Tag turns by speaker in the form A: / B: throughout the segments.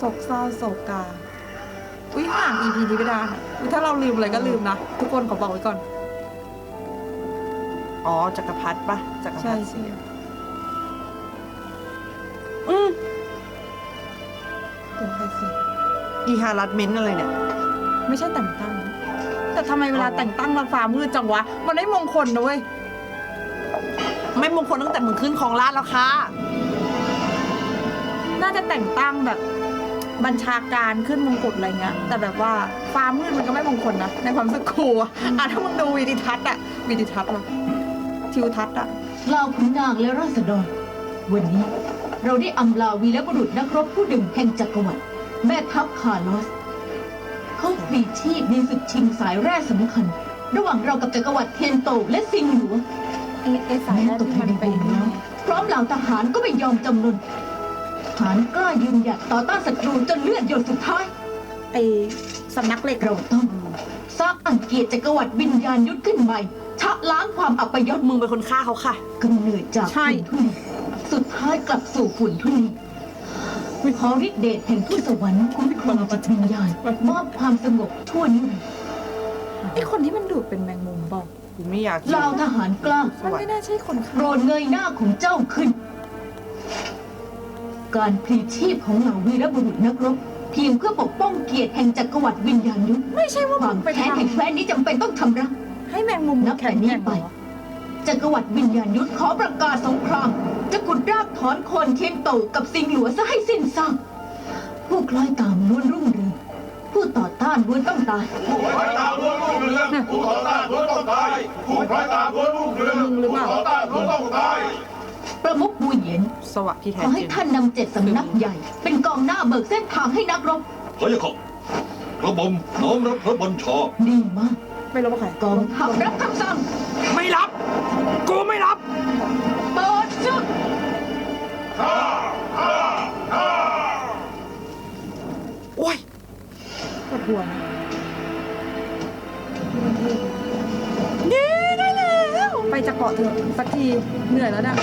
A: ศกเศร้าโศกาอุ้ยห่าง EP นี้ไม่ได้ค่ะอุ๊ยถ้าเราลืมอะไรก็ลืมนะทุกคนขอบอกไว้ก่อน
B: อ๋อจักรพรรดิปะจักรพรรดิ
A: ใช่
B: เสีย
A: เดี๋ยวใครสิ
B: อีฮารัดเมนต์อะไรเนี่ย
A: ไม่ใช่แต่งตั้ง แต่ทำไมเวลาแต่งตั้งเราฟ้ามืดจังวะมันไม่มงคลนะเว้ย
B: ไม่มงคลตั้งแต่มึงขึ้นของราชย์แล้วค่ะ
A: น่าจะแต่งตั้งแบบบัญชาการขึ้นมงกุฎอะไรเงี้ยแต่แบบว่าฟ้ามืดมันก็ไม่มงคลนะในความรู้สึกครูอะถ้ามึงดูวิดิทัศน์อะวิดิทัศน์อะทิวทัศน์อะ
C: เหล่าขุนนางและราษฎรวันนี้เราได้อำลาวีรบุรุษนักรบผู้หนึ่งแห่งจักรวรรดิแม่ทัพคาร์ลอสเขาปลีกชีพในศึกชิงสายแร่สำคัญ ระหว่างเรากับจักรวรรดิเทียนโตและซิงหลัว
A: ไอ้สายแรกที่มันไป
C: พร้อมเหล่าทหารก็ไม่ยอมจำนนทหารกล้ายืนหยัดต่อต้านศัตรูจนเลือดหยดสุดท้าย
A: ไอ้สำนักเหล็ก
C: เราต้องสร้างอังเกียรติจักรวรรดิวิญญาณยุทธขึ้นใหม่ชะล้างความอัปยศ
B: มึงเป็นคนฆ่าเขาค่ะ
C: กำเนิดจากฝุ่นทุลีสุดท้ายกลับสู่ฝุ่นทุลีขอฤทธิเดชแห่งทูตสวรรค์คุ้มครองจิตวิญญาณมอบความสงบทั่วนิรันดร์
A: ไอ้คนที่มันดูดเป็นแมงมุมบอก
B: กูไม่อยาก
C: เหล่าทหารกล้า
A: มันไม่น่าใช่คนฆ่า
C: โปรดเงยหน้าของเจ้าขึ้น การพลีชีพของเหล่าวีรบุรุษนักรบเพียงเพื่อปกป้องเกียรติแห่งจักรวรรดิวิญญาณยุทธ
A: ไม่ใช่ว่า
C: ค
A: มึ
C: วาม
A: งไป
C: แค้นแห่ง
A: ทำ
C: แคว้นนี้จำเป็นต้องชำระ
A: ให้แมงมุม
C: นับแต่นี้ไป จักรวรรดิวิญญาณยุทธขอประกาศสงคราม จะกุดรากถอนโคนเทียนโตกับสิงหลัวซะให้สิ้นซากผู้คล้อยตามล้วนรุ่งเรืองผู้ต่อต้านล้วนต้องตาย
D: ผู้พลอยตามล้วนรุ่งเรืองผู้ต่อต้านล้วนต้องตายผู้พลอยตามล้วนรุ่งเรืองผู้ต่อต้านล้วนต้องตาย
C: ประมุขบูเหยียน
B: สวะที่
C: ข
B: แท้
C: อ
B: จ
C: ให้
B: ริง
C: ท่านนำ7 สำนักใหญ่ เป็นกองหน้าเบิกเส้นทางให้นักรบ
D: พระยาค่ะกระหม่อมน้อมรับพระบัญชา
C: ดีมาก
A: ไม่รู้ว่าใคร
C: กองทัพรับคำสั่ง
B: ไม่รับ กูไม่รับ
C: เปิดศึก
B: โอ้ย
A: ปวดหัวนะ
B: เย้ได้แล้ว
A: ไปจะเกาะเถอะสักทีเหนื่อยแล้วเนี่ย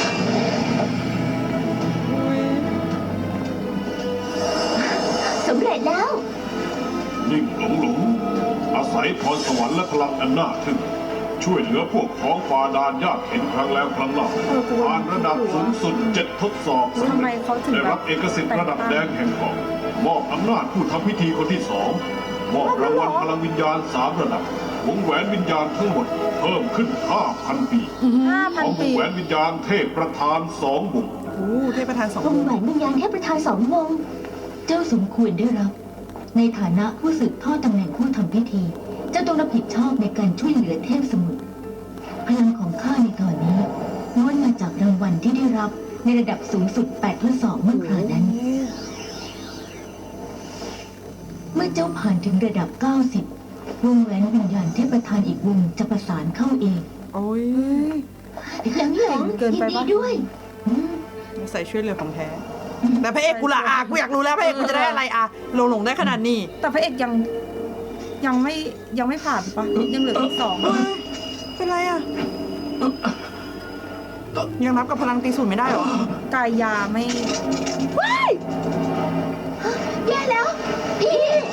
C: สำเร็จแล้ว
D: นิ่งหลงอาศัยพรสวรรค์และพลังอันน่าทึ่งช่วยเหลือพวกพ้องฝ่าด่านยากเข็นครั้งแล้วครั้งเล่าผ่านระดับสูงสุด7 ทดสอบสำ
A: ทำไม
D: เร็จ
A: เขาถึง
D: ได้
A: แบ
D: รั
A: บบ
D: เอกสิทธิ์ระดับแดงแห่งเกาะมอบอำนาจผู้ทำพิธีคนที่2มอบรางวัลพลังวิญญาณ3 ระดับวงแหวนวิญญาณทั้งหมดเพิ่มขึ้น 5,000 ปีพร้อม
A: 5,000
D: ว
A: ปี
D: งแหวนวิญญาณเทพประธาน2 วง
B: โอ้เทพประธานสอง
C: วงแหวนวิญญาณเทพประธาน2 วง เจ้าสมควรได้รับ ในฐานะผู้สืบทอดตำแหน่งผู้ทำพิธี เจ้าต้องรับผิดชอบในการช่วยเหลือเทพสมุทรพลังของข้าในตอนนี้ล้วนมาจากรางวัลที่ได้รับในระดับสูงสุด8 ทดสอบเมื่อคราวนั้น เมื่อเจ้าผ่านถึงระดับ 90 วงแหวนวิญญาณเทพประธานอีกวงจะประสานเข้าเอง
B: โอ้ย
C: หลัง
A: เกินไปปะ
C: ด้วย
B: ใส่ช่วยเหลือของแท้ แต่พระเอกกูละกูอยากรู้แล้วพระเอกกูจะได้อะไรหลงได้ขนาดนี้
A: แต่พระเอกยังไม่ผ่านปะยังเหลืออีก2
B: เฮ้ยเป็นไรยังนับกับพลังตีศูนย์ไม่ได้เหรอ
A: กายยาไม่
C: แย่แล้ว พี่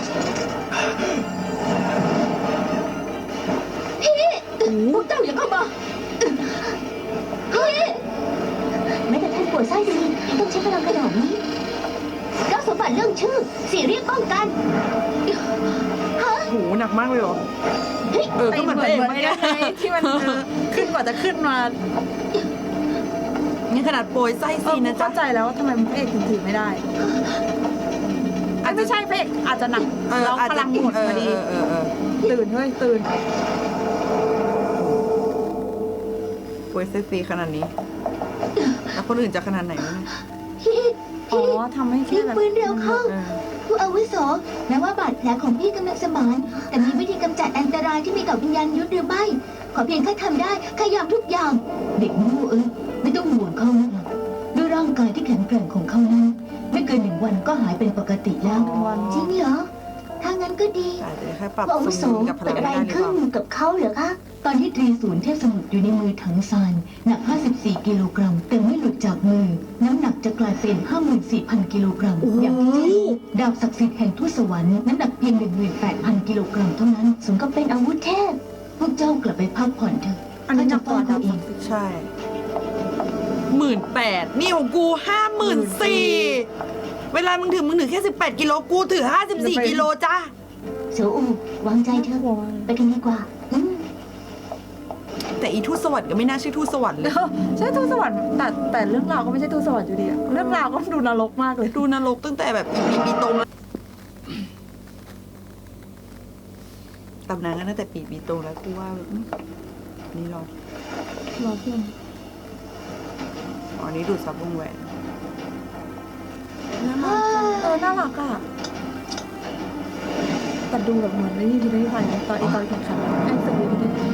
C: พวกเจ้าอย่าเข้ามาพี่แม้แต่ท่านป่วยไส้ดีต้องใช้พลังขนาดนี้เจ้าสมบัติเรื่องชื่อสี่เรียกป้องกันฮะ
B: โหหนักมากเลยเหรอ ก็เหมือน
A: เห
B: พระเอก
A: มือน
B: เมื่อ
A: ไง
B: กี้
A: ที่มันขึ้นกว่าจะขึ้นมา
B: นี่ขนาดโปรยไส้ซีนะจ๊ะ
A: เข้าใจแล้วว่าทำไมพระเอกถึงถือไม่ได้ไม่ใช่พระเอกอาจจะหนักแล้วพลังหมดพอดีตื่นเฮ้ยตื่น
B: โปรยไส้ซีขนาดนี้ แล้วคนอื่นจะขนาดไหนวะเนี่ย
C: พี่
A: อ๋อทำให้แค่
C: รีบ
A: แบบ
C: ปืนเร็วเข้า
B: เออ
C: ผู้อาวุโสแม้ว่าบาดแผลของพี่กำลังสมาน แต่มีวิธีกำจัดอันตรายที่มีต่อวิญญาณยุทธหรือไม่ ขอเพียงข้าทำได้ข้ายอมทุกอย่าง เด็กมูไม่ต้องห่วงเขานะด้วยร่างกายที่แข็งแกร่งของเขานั้น ไม่เกิน1 วันก็หายเป็นปกติแล้ว
A: วัน
C: จริงเหรอ ทถ้างั้นก็ดี
B: แต่จะแค่ปรับ
C: ผู้อาวุ
B: ส
C: โส
B: มดุลกับพลั
C: เกิด
B: ง
C: อะไร
B: ได้หรือ
C: ขึ้
B: เป
C: น
B: ล่า
C: กับเขาเหรอคะ ตอนที่ตรีศูนย์เทพสมุทรอยู่ในมือถังซานหนัก 54 กิโลกรัม แต่ไม่หลุดจากมือ น้ำหนักจะกลายเป็น 54,000 กิโลกรัม อย่างที่เจ้ารู้ดาบศักดิ์สิทธิ์แห่งทูตสวรรค์น้ำหนักเพียง 18,000 กิโลกรัมเท่านั้นสมกับเป็นอาวุธเทพ พวกเจ้ากลับไปพักผ่อนเถอะ
A: อันนี้หนั
C: ข้าก
A: กว่า
C: จะ
A: ดั
C: เฝ้า
A: บ
C: เขาเอง
B: ใช่18,000นี่ของกู 54,000เวลามึงถือแค่18กิโลกูถือ54กิโลจ้า
C: เสียวอูวางใจเถอะไปกันดีกว่า
B: แต่อีทูตสวรรค์ก็ไม่น่าชื่อทูตสวรรค์เลย
A: ใช่ทูตสวรรค์แต่เรื่องราวก็ไม่ใช่ทูตสวรรค์อยู่ดีอะเรื่องราวก็ดูนรกมากเลย
B: ดูนรกตั้งแต่แบบปีตรงแล้วตำนานก็ตั้งแต่ปีตรงแล้วกูว่านี่รอ
A: รอเพื่อน
B: อ๋อนี่ดูดซับวงแหวน
A: น่ารักอะแต่ดูแบบเหมือนไม่มีพิธีภัยตอนแข่งขันไอ้สุดมีพิธีภัย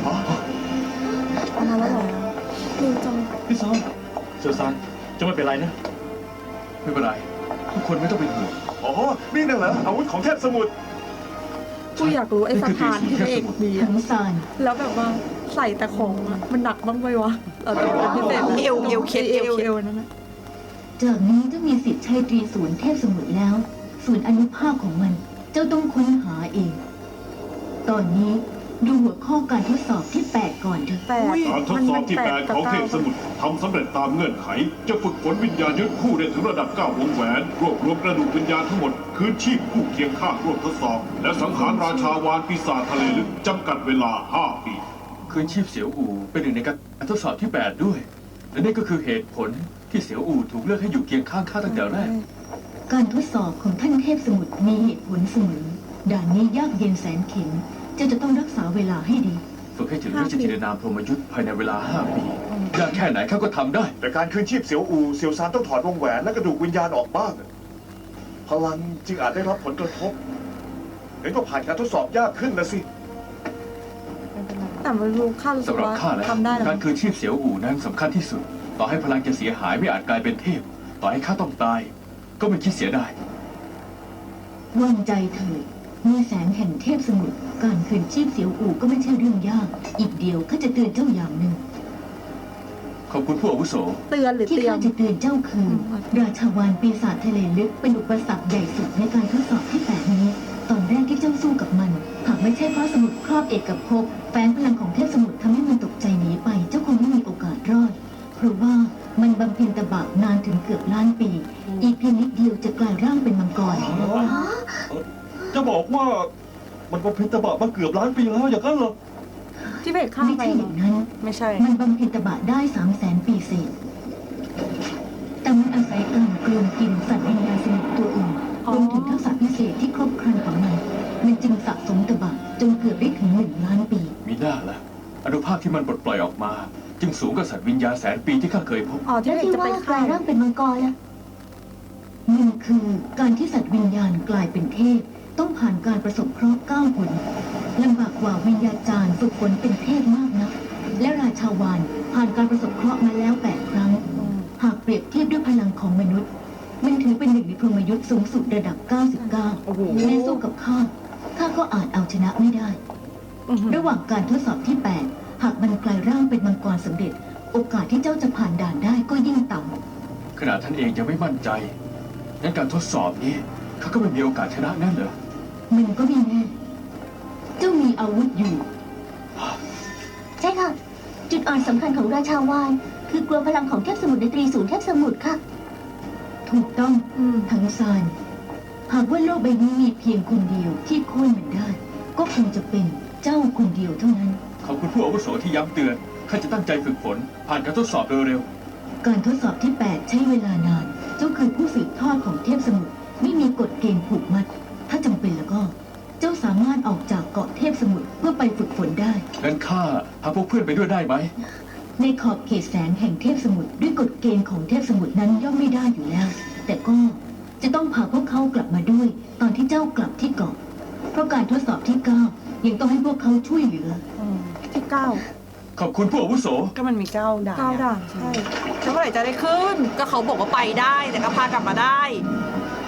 A: เอามาแล้วเหรอดูจัง
E: พี่ซอนเซอร์ซานจะไม่เป็นไรนะ ไม่เป็นไร ทุกคนไม่ต้องเป็นห่วง
D: อ๋อ นี่นั่นเหรออาวุธของเทพสมุทร
A: กูอยากรู้ไอ้สะพานที่พระเอกมี
C: ถั
A: อะ
C: งซาน
A: แล้วแบบว่าใส่แต่ของอะมันหนักบ้างไหมวะแต่เป็นพิเศษ
B: เอวเคสเอวเคส
A: นั่นนะ
C: จากนี้เจ้ามีสิทธิ์ใช้ตรีศูนย์เทพสมุทรแล้วส่วนอนุภาคของมัน เจ้าต้องค้นหาเอง ตอนนี้ดูหัวข้อการทดสอบที่ 8 ก่อนเถอะ
A: แต่
D: การทดสอบที่ 8 ของเทพสมุทรทำสำเร็จตามเงื่อนไข จะฝึกฝนวิญญาณยุทธคู่ได้ถึงระดับ 9 วงแหวน รวบรวมกระดูกวิญญาณทั้งหมด คืนชีพคู่เคียงข้างร่วมทดสอบ และสังหารราชาวานปีศาจทะเลลึกจำกัดเวลา 5 ปี
E: คืนชีพเสียวอูเป็นหนึ่งในการทดสอบที่ 8 ด้วย และนี่ก็คือเหตุผลที่เสียวอูถูกเลือกให้อยู่เคียงข้างข้าตั้งแต่แรก
C: การทดสอบของท่านเทพสมุทรมีเหตุผลเสมอด่านนี้ยากเย็นแสนเข็ญเจ้าจะต้องรักษาเวลาให้ดี
E: ฝึกให้ถึงราชจินนามพรหมยุทธ์ภายในเวลา 5 ปียากแค่ไหนข้าก็ทำได้
F: แต่การคืนชีพเสียวอูเสียวซานต้องถอดวงแหวนและกระดูกวิญญาณออกบ้าง พลังจึงอาจได้รับผลกระทบงั้นก็ผ่านการทดสอบยากขึ้นนะสิ
A: แต่มันรู้ค่ารู้สึ
E: สำ
A: ก
E: หรับ
A: ว่า
E: ข้าแล้ว
A: ทำได้แล้ว
E: การคืนชีพเสียวอูนั้นสำคัญที่สุด ต่อให้พลังจะเสียหายไม่อาจกลายเป็นเทพ ต่อให้ข้าต้องตาย ก็ไม่คิดเสียดาย
C: วางใจเถิดมีแสงแห่งเทพสมุทรการคืนชีพเสียวอูก็ไม่ใช่เรื่องยาก อีกเดียวข้าจะเตือนเจ้าอย่างหนึ่ง
E: ขอบคุณผู้อาวุโส
A: เตือนหรือ
C: ที่
A: เตรีย
C: ข้าม จะเตือนเจ้าคือ ราชาวานปีศาจทะเลลึกเป็นอุปสรรคใหญ่สุดในการทดสอบที่ 8 นี้ ตอนแรกที่เจ้าสู้กับมัน หากไม่ใช่เพราะสมุดครอบเอกภพแฝงพลังของเทพสมุทรทำให้มันตกใจหนีไป เจ้าคงไม่มีโอกาสรอด เพราะว่ามันบำเพ็ญตบะนานถึงเกือบล้านปี อีกเพียงนิดเดียวจะกลายร่างเป็นมังกร
F: จะบอกว่ามันบำเพ็ญตบะมาเกือบล้านปีแล้วอย่างนั้นเหรอ
A: ที่พระเอกฆ่า
C: ไม่
A: ไป
C: ใช่อย่างนั้น
B: ไม่ใช่
C: มันบำเพ็ญตบะได้ 300,000 ปีเศษ แต่มันอาศัยการกลืนกินสัตว์วิญญาณสมุทรตัวอื่นรวมถึงทักษะพิเศษที่ครบครันของมัน มันจึงสะสมตบะจนเกือบได้ถึง1 ล้านปี
E: มีหน้าละอนุภาคที่มันปลดปล่อยออกมา จึงสูงกว่าสัตว์วิญญาณแสนปีที่ข้าเคยพบ
A: อ๋อที่
C: แล้ว
A: พระเอก
C: ที่
A: จะไป
C: ว่าก
A: ฆ่า
C: ลายร่างเป็นมังกรล่ะมันคือการที่สัตว์วิญญาณกลายเป็นเทพ ต้องผ่านการประสบเคราะห์9 หนลำบากกว่าวิญญาจารย์ฝึกฝนเป็นเทพมากนะ และราชาวานผ่านการประสบเคราะห์มาแล้ว 8 ครั้ง หากเปรียบเทียบด้วยพลังของมนุษย์ มันถือเป็นหนึ่งในพรหมยุทธ์สูงสุดระดับ 99
B: โอ้โห
C: แม้สู้กับข้าก็อาจเอาชนะไม่ได้ ระหว่างการทดสอบที่ 8 หากมันกลายร่างเป็นมังกรสำเร็จ โอกาสที่เจ้าจะผ่านด่านได้ก็ยิ่งต่ำ
E: ขนาดท่านเองยังไม่มั่นใจ งั้นการทดสอบนี้ข้าก็ไม่มีโอกาสชนะแน่เหรอ
C: มันก็ไม่แน่ เจ้ามีอาวุธอยู่
G: ใช่ค่ะ จุดอ่อนสำคัญของราชาวานคือกลัวพลังของเทพสมุทรในตรีศูนย์เทพสมุทรค่ะ
C: ถูกต้อง
A: อืม
C: ทั้งซานหากว่าโลกใบนี้มีเพียงคนเดียวที่โค่นมันได้ ก็คงจะเป็นเจ้าคนเดียวเท่านั้น
E: ขอบคุณผู้อาวุโสที่ย้ำเตือน ข้าจะตั้งใจฝึกฝน ผ่านการทดสอบโดยเร็ว
C: การทดสอบที่ 8 ใช้เวลานาน เจ้าคือผู้สืบทอดของเทพสมุทรไม่มีกฎเกณฑ์ผูกมัด ถ้าจำเป็นแล้วก็ เจ้าสามารถออกจากเกาะเทพสมุทรเพื่อไปฝึกฝนได้
E: งั้นข้าพาพวกเพื่อนไปด้วยได้ไหม
C: ในขอบเขตแสงแห่งเทพสมุทรด้วยกฎเกณฑ์ของเทพสมุทรนั้นย่อมไม่ได้อยู่แล้ว แต่ก็จะต้องพาพวกเขากลับมาด้วย ตอนที่เจ้ากลับที่เกาะ เพราะการทดสอบที่ 9 ยังต้องให้พวกเขาช่วยเหลือ
A: ที่เก้า
E: ขอบคุณผู้อาวุโส
B: ก็มันมี9ด่าน
A: 9 ด่านใช่
B: แล้วเมื่อไหร่จะได้ขึ้น ก็เขาบอกว่าไปได้ แต่ก็พากลับมาได้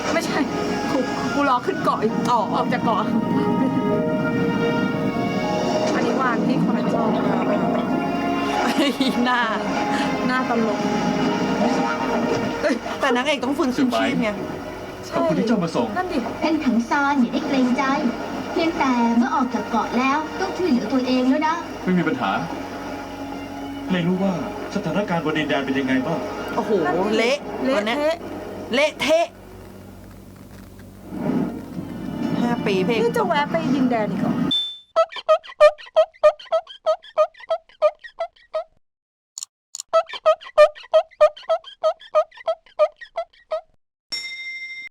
A: ไม่ใช่กูรอขึ้นเกาะอีก
B: อ๋อ
A: ออกจากเกาะอันนี้วางที่คอนโซล
B: หน้า
A: หน้าตลก
B: แต่นางเอกต้องฟื้นคืนชีพไง
E: ขอบคุณที่เจ้ามาส่ง
A: นั่นดิ
G: ท่านถังซานอย่าได้เกรงใจ เพียงแต่เมื่อออกจากเกาะแล้วต้องช่วยเหลือตัวเองแล้วนะ
E: ไม่มีปัญหา
F: ไม่รู้ว่าสถานการณ์บนดินแดนเป็นยังไงบ้าง
B: โอ้โห
A: นั่นดิ
B: เละ
A: เละ
B: วันนี้ย
A: เทะ
B: เละเทะ5 ปีเพลง
A: นี่จะแวะไปดินแดนอีกเหรอ